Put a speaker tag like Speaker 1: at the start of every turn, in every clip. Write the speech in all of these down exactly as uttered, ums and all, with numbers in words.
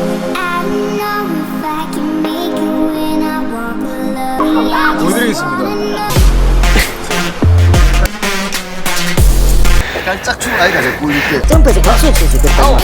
Speaker 1: 보여드리겠습니다.
Speaker 2: 약간 짝퉁 아이가 자꾸 이렇게
Speaker 3: 점프해서 박수 칠 수 있겠다.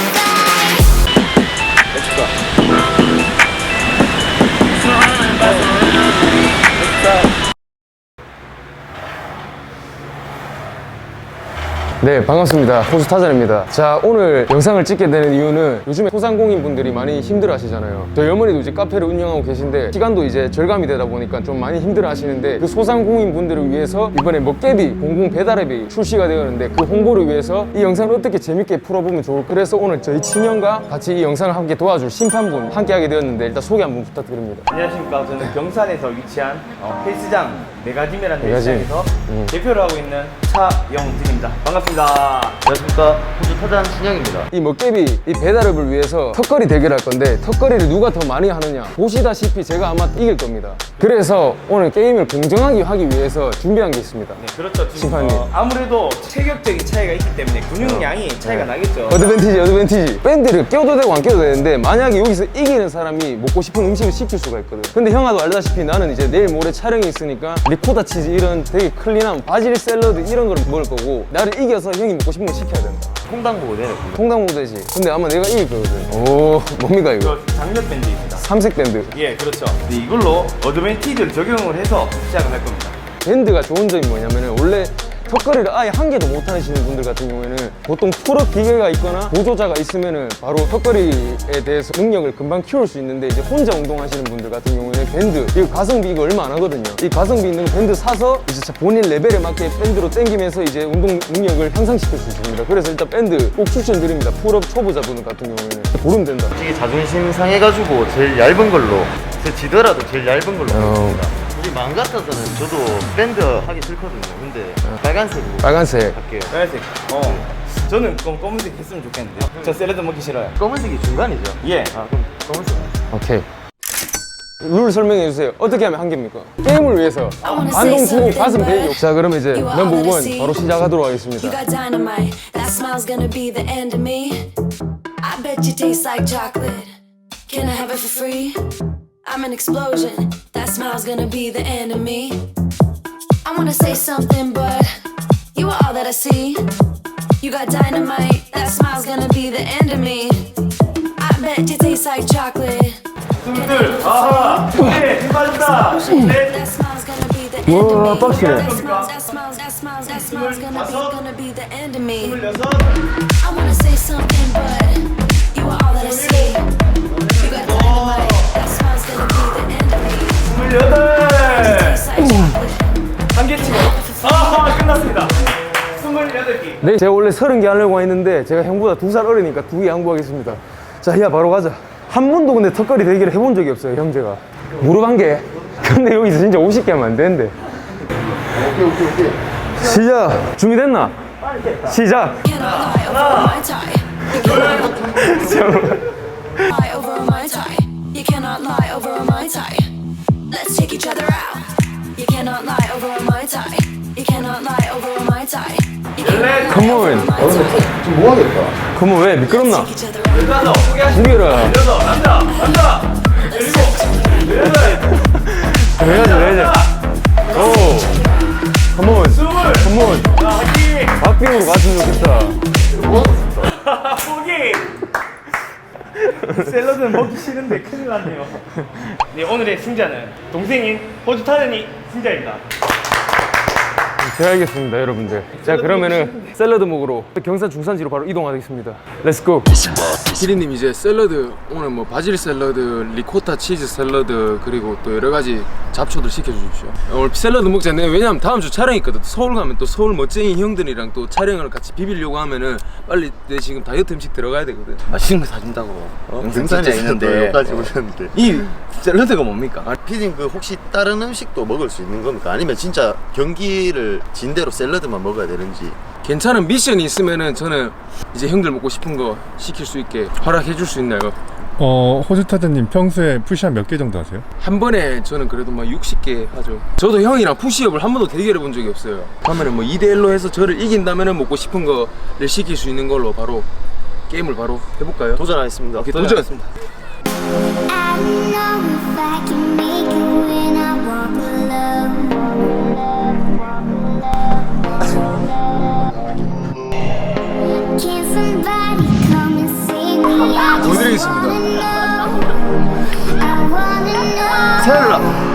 Speaker 1: 네, 반갑습니다. 호수 타잔입니다. 자, 오늘 영상을 찍게 되는 이유는 요즘에 소상공인 분들이 많이 힘들어 하시잖아요. 저희 어머니도 이제 카페를 운영하고 계신데 시간도 이제 절감이 되다 보니까 좀 많이 힘들어 하시는데 그 소상공인 분들을 위해서 이번에 먹개비 공공 배달앱이 출시가 되었는데 그 홍보를 위해서 이 영상을 어떻게 재밌게 풀어보면 좋을까. 그래서 오늘 저희 친형과 같이 이 영상을 함께 도와줄 심판분 함께 하게 되었는데 일단 소개 한번 부탁드립니다.
Speaker 4: 안녕하십니까. 저는 경산에서 위치한 어, 헬스장 메가짐이라는
Speaker 1: 메가짐.
Speaker 4: 헬스장에서
Speaker 1: 음.
Speaker 4: 대표를 하고 있는 차영진입니다. 반갑습니다.
Speaker 2: 안녕하십니까. 호주 타잔 신영입니다.
Speaker 1: 이 먹개비 이 배달앱을 위해서 턱걸이 대결할 건데 턱걸이를 누가 더 많이 하느냐 보시다시피 제가 아마 이길 겁니다. 그래서 오늘 게임을 공정하게 하기 위해서 준비한 게 있습니다.
Speaker 4: 네, 그렇죠. 지금,
Speaker 1: 심판님.
Speaker 4: 어, 아무래도 체격적인 차이가 있기 때문에 근육량이 차이가
Speaker 1: 네.
Speaker 4: 나겠죠.
Speaker 1: 어드밴티지 어드밴티지 밴드를 껴도 되고 안 껴도 되는데 만약에 여기서 이기는 사람이 먹고 싶은 음식을 시킬 수가 있거든. 근데 형아도 알다시피 나는 이제 내일 모레 촬영이 있으니까 리코타 치즈 이런 되게 클린한 바질 샐러드 이런 걸 먹을 거고 나를 이겨서 형이 먹고 싶은 거 시켜야 된다.
Speaker 2: 통당보고 되네.
Speaker 1: 통당 모델지. 근데 아마 내가 이길 거거든. 오 뭡니까 이거?
Speaker 4: 저 장력 밴드입니다.
Speaker 1: 삼색 밴드.
Speaker 4: 예, 그렇죠. 네, 이걸로 어드밴티지를 적용을 해서 시작을 할 겁니다.
Speaker 1: 밴드가 좋은 점이 뭐냐면은 원래 턱걸이를 아예 한 개도 못 하시는 분들 같은 경우에는 보통 풀업 기계가 있거나 보조자가 있으면은 바로 턱걸이에 대해서 능력을 금방 키울 수 있는데 이제 혼자 운동하시는 분들 같은 경우에는 밴드 이거 가성비 이거 얼마 안 하거든요. 이 가성비 있는 밴드 사서 이제 본인 레벨에 맞게 밴드로 당기면서 이제 운동 능력을 향상시킬 수 있습니다. 그래서 일단 밴드 꼭 추천드립니다. 풀업 초보자분 같은 경우에는 고르면 된다.
Speaker 2: 솔직히 자존심 상해가지고 제일 얇은 걸로 제 지더라도 제일 얇은 걸로
Speaker 1: 어.
Speaker 2: 하겠습니다. 우리 마음 같아서는 저도 밴드 하기 싫거든요. 근데 빨간색으로
Speaker 1: 빨간색.
Speaker 2: 할게요.
Speaker 4: 빨간색. 어. 저는 검, 검은색 했으면 좋겠는데. 저 샐러드 먹기 싫어요.
Speaker 2: 검은색이 중간이죠?
Speaker 4: 예.
Speaker 2: 아 그럼 검은색.
Speaker 1: 오케이. 룰 설명해 주세요. 어떻게 하면 한 개입니까? 게임을 위해서 반동 주고 가슴 대기. 자, 그러면 이제 넘버 원 바로 시작하도록 하겠습니다.
Speaker 5: You got dynamite, that smile's gonna be the end of me. I bet you taste like chocolate. Can I have it for free? I'm an explosion, that smile's gonna be the end of me. I wanna say something, but you are all that I see. You got dynamite, that smile's gonna be the end of me. I bet you taste like chocolate.
Speaker 4: 친구들, 아하! 네, 힘 빠진다! 네.
Speaker 5: That smile's gonna be the end of
Speaker 1: 와,
Speaker 5: me.
Speaker 1: 빡시네.
Speaker 5: That smile's, that smile's, that smile's, that smile's gonna be, gonna be the end of me.
Speaker 4: 스물여섯,
Speaker 5: I wanna say something, but you are all that I see. You got dynamite, that smile's gonna be the end of me.
Speaker 4: 스물여덟!
Speaker 5: Tastes like chocolate.
Speaker 4: 한 개 치고. 아하, 끝났습니다. 스물여덟 개.
Speaker 1: 네, 제가 원래 서른 개 하려고 했는데 제가 형보다 두 살 어리니까 두 개 양보하겠습니다. 자, 야 바로 가자. 한 번도 근데 턱걸이 대결을 해본 적이 없어요, 형제가. 무릎 한 개. 근데 여기서 진짜 오십 개 하면 안 되는데.
Speaker 2: 오케이 오케이 오케이.
Speaker 1: 시작. 준비됐나? 시작.
Speaker 5: Cannot lie over my tie. You cannot lie over my tie. You cannot lie over my tie. Let's take each other out. You cannot lie over my tie. You cannot lie over my tie. You cannot
Speaker 1: Come
Speaker 5: lie over
Speaker 1: on.
Speaker 5: my tie.
Speaker 2: 좀 뭐하겠다.
Speaker 1: 그러면 왜 미끄럽나?
Speaker 5: Take each other out.
Speaker 4: 열다섯, 포기하시죠.
Speaker 1: 준비해라.
Speaker 4: 여섯, 남자, 남자! 일곱, 여덟,
Speaker 1: 해야지, 해야지. 오. 컴온.
Speaker 4: 스물!
Speaker 1: 컴온.
Speaker 4: 자, 화이팅!
Speaker 1: 박빙으로 갔으면 좋겠다.
Speaker 4: 포기! 샐러드는 먹기 싫은데 큰일 났네요. 네, 오늘의 승자는 동생인 호주 타잔이 승자입니다.
Speaker 1: 제가 알겠습니다, 여러분들. 자, 그러면은 샐러드 먹으러 경산 중산지로 바로 이동하겠습니다. 렛츠고. 피디님 이제 샐러드 오늘 뭐 바질 샐러드, 리코타 치즈 샐러드 그리고 또 여러 가지 잡초들 시켜주십시오. 오늘 샐러드 먹자. 내가 왜냐면 다음 주 촬영이 있거든. 서울 가면 또 서울 멋쟁이 형들이랑 또 촬영을 같이 비비려고 하면은 빨리 내 지금 다이어트 음식 들어가야 되거든.
Speaker 2: 맛있는 거 사준다고. 어?
Speaker 1: 등산에 있는데.
Speaker 2: 여기까지 오셨는데.
Speaker 1: 이 샐러드가 뭡니까?
Speaker 2: 아, 피디님 그 혹시 다른 음식도 먹을 수 있는 겁니까? 아니면 진짜 경기를 진 대로 샐러드만 먹어야 되는지.
Speaker 1: 괜찮은 미션이 있으면은 저는 이제 형들 먹고 싶은 거 시킬 수 있게 허락해 줄 수 있나요?
Speaker 6: 어, 호주타드님 평소에 푸시업 몇 개 정도 하세요?
Speaker 1: 한 번에 저는 그래도 막 육십 개 하죠. 저도 형이랑 푸시업을 한 번도 대결해 본 적이 없어요. 그러면은 뭐 이 대 일로 해서 저를 이긴다면은 먹고 싶은 거를 시킬 수 있는 걸로 바로 게임을 바로 해볼까요?
Speaker 2: 도전하겠습니다.
Speaker 1: 오케이, 도전!
Speaker 3: I don't know if I can make it when I walk alone. Can somebody come and save me? I just
Speaker 1: 보여드리겠습니다.
Speaker 3: wanna know. I wanna know.
Speaker 2: 셀라.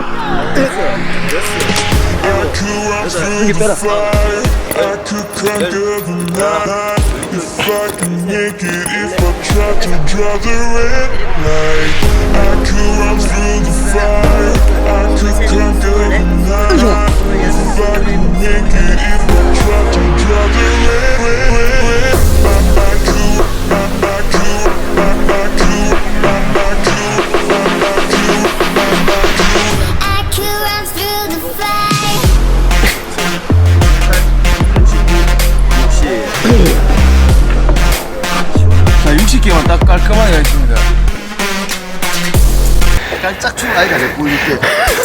Speaker 7: I could conquer the night if I can make it. If I try to draw the red light, I could run through the fire. I could conquer the night if I can make it. If I try to draw the red, red, red, red. I, I could, I, I could, I, I could, I, I could, I, I could, I, I could.
Speaker 3: I could run through the fire.
Speaker 1: 자, 육십 개만 딱 깔끔하게 하겠습니다.
Speaker 2: 깔짝 춤 아이가 내 보여줄게.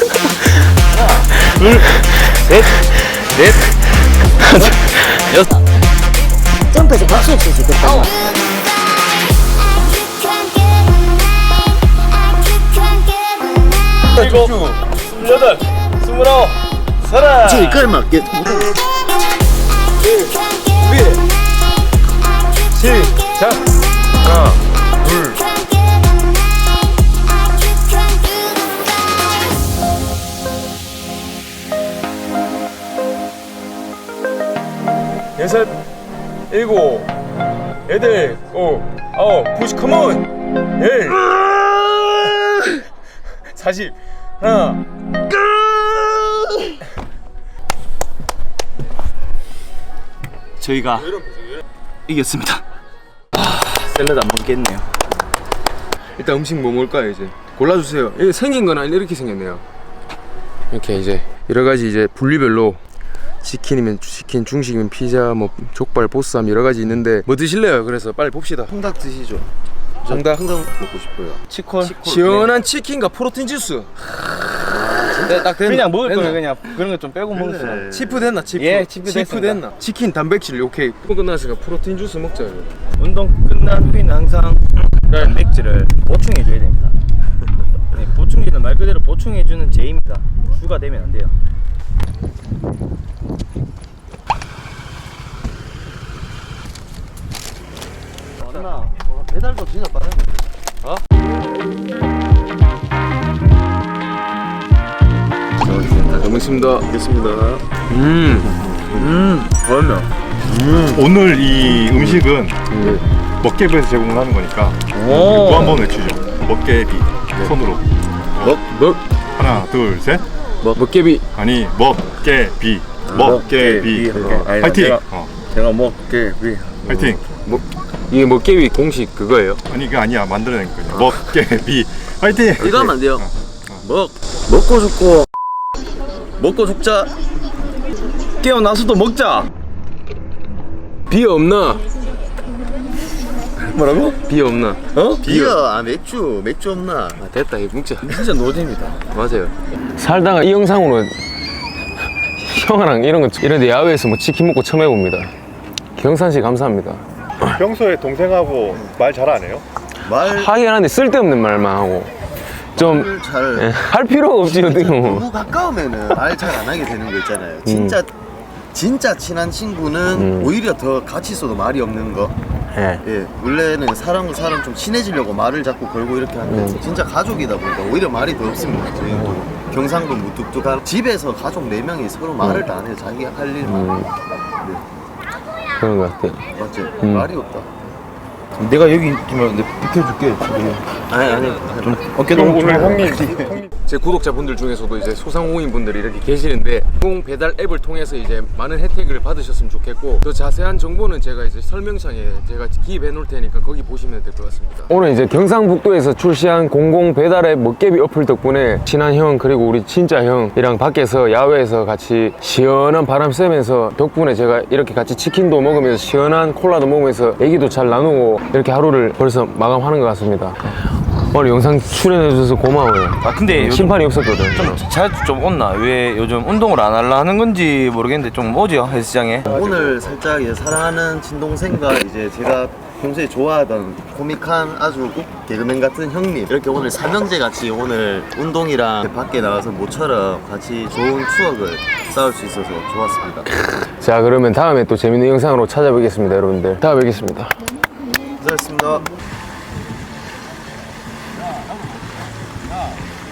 Speaker 8: 점프해서 박수 칠 수 있겠다.
Speaker 3: I could conquer the night. I could conquer the night.
Speaker 4: 일곱, 스물여덟, 스물아홉, 서른.
Speaker 2: 저 이까지 맞게.
Speaker 1: 시작! 하나, 둘, 여섯, 일곱, 여덟, 오, 아홉, 푸시 컴온! 열, 사십, 하나,
Speaker 4: 저희가 이겼습니다. 아, 샐러드 안 먹겠네요.
Speaker 1: 일단 음식 뭐 먹을까요 이제? 골라주세요. 이게 생긴 건 아닌데 이렇게 생겼네요. 이렇게 이제 여러 가지 이제 분리별로 치킨이면 치킨, 중식이면 피자, 뭐 족발, 보쌈 여러 가지 있는데 뭐 드실래요? 그래서 빨리 봅시다.
Speaker 2: 통닭 드시죠. 저
Speaker 1: 통닭?
Speaker 2: 통닭 먹고 싶어요.
Speaker 4: 치콜.
Speaker 1: 시원한 치킨과 프로틴 주스. 네, 딱 됐나?
Speaker 4: 그냥 먹을
Speaker 1: 됐나?
Speaker 4: 거면 그냥 그런 거 좀 빼고 먹었어.
Speaker 1: 치프 됐나? 치프.
Speaker 4: 예, 치프
Speaker 1: 치프
Speaker 4: 됐습니다.
Speaker 1: 됐나? 치킨, 단백질 오케이. 끝났으니까 프로틴 주스 먹자 이거.
Speaker 4: 운동 끝난 후에는 항상 단백질을 보충해 줘야 됩니다. 네, 보충제는 말 그대로 보충해 주는 제입니다. 주가 되면 안 돼요.
Speaker 2: 맞나? 어, 배달도 진짜 빠르네.
Speaker 1: 잘 먹습니다.
Speaker 2: 알겠습니다.
Speaker 1: 음, 음, 맛있네.
Speaker 6: 오늘 이 음식은 먹개비에서 제공을 하는 거니까 또 한 번 외치죠. 먹개비 손으로
Speaker 1: 먹, 먹,
Speaker 6: 하나 둘 셋.
Speaker 1: 먹개비.
Speaker 6: 아니 먹개비 먹개비
Speaker 4: 아니,
Speaker 6: 파이팅.
Speaker 4: 제가-
Speaker 6: 어,
Speaker 4: 제가 먹게
Speaker 6: 파이팅.
Speaker 1: 먹, 이게 먹개비 공식 그거예요?
Speaker 6: 아니 그게 아니야, 만들어낸 거야. 먹개비 파이팅.
Speaker 2: 이거 하면 안 돼요.
Speaker 4: 먹 먹고 죽고 먹고 죽자. 깨어나서도 먹자.
Speaker 1: 비어 없나?
Speaker 4: 뭐라고?
Speaker 1: 비어 없나?
Speaker 4: 어?
Speaker 2: 비어, 아 맥주, 맥주 없나?
Speaker 1: 아, 됐다 이거 먹자.
Speaker 4: 진짜 노잼이다.
Speaker 1: 맞아요. 살다가 이 영상으로 형아랑 이런 거 이런 데 야외에서 뭐 치킨 먹고 처음 해봅니다. 경산 씨 감사합니다.
Speaker 6: 평소에 동생하고 말 잘 안 해요?
Speaker 2: 말
Speaker 1: 하긴 하는데 쓸데없는 말만 하고 좀
Speaker 2: 잘.
Speaker 1: 예, 할 필요가 없지 어떻게 보면.
Speaker 2: 너무 가까우면은 말 잘 안 하게 되는 거 있잖아요. 진짜 진짜 친한 친구는
Speaker 1: 음.
Speaker 2: 오히려 더 같이 있어도 말이 없는 거.
Speaker 1: 예.
Speaker 2: 예, 원래는 사람과 사람 좀 친해지려고 말을 자꾸 걸고 이렇게 하는데
Speaker 1: 음.
Speaker 2: 진짜 가족이다 보니까 오히려 말이 더 없습니다. 저희도 경상도 무뚝뚝한 집에서 가족 네 명이 서로 말을 다 안 해요. 자기가 할 일만.
Speaker 1: 음. 그런 것 같아요.
Speaker 2: 맞지?
Speaker 1: 음.
Speaker 2: 말이 없다.
Speaker 4: 내가 여기 있지만 내가 비켜줄게.
Speaker 2: 아니 아니.
Speaker 4: 좀 어깨
Speaker 6: 그럼
Speaker 4: 너무
Speaker 6: 오늘
Speaker 4: 좁아.
Speaker 6: 형님 형님
Speaker 1: 제 구독자분들 중에서도 이제 소상공인 분들이 이렇게 계시는데 공 배달 앱을 통해서 이제 많은 혜택을 받으셨으면 좋겠고 더 자세한 정보는 제가 이제 설명창에 제가 기입해 놓을 테니까 거기 보시면 될 것 같습니다. 오늘 이제 경상북도에서 출시한 공공 배달 앱 먹개비 어플 덕분에 친한 형 그리고 우리 진짜 형이랑 밖에서 야외에서 같이 시원한 바람 쐬면서 덕분에 제가 이렇게 같이 치킨도 먹으면서 시원한 콜라도 먹으면서 얘기도 잘 나누고 이렇게 하루를 벌써 마감하는 것 같습니다. 오늘 영상 출연해 주셔서 고마워요.
Speaker 4: 아 근데 요즘
Speaker 1: 심판이 없었거든.
Speaker 4: 좀 자주 좀 온나? 왜 요즘 운동을 안 하려 하는 건지 모르겠는데 좀 오죠 헬스장에.
Speaker 2: 오늘 살짝 이제 사랑하는 친동생과 이제 제가 평소에 좋아하던 코믹한 아주 꼭 개그맨 같은 형님 이렇게 오늘 삼형제 같이 오늘 운동이랑 밖에 나가서 모처럼 같이 좋은 추억을 쌓을 수 있어서 좋았습니다.
Speaker 1: 자, 그러면 다음에 또 재밌는 영상으로 찾아뵙겠습니다, 여러분들. 다음에 뵙겠습니다.
Speaker 2: 고생하셨습니다.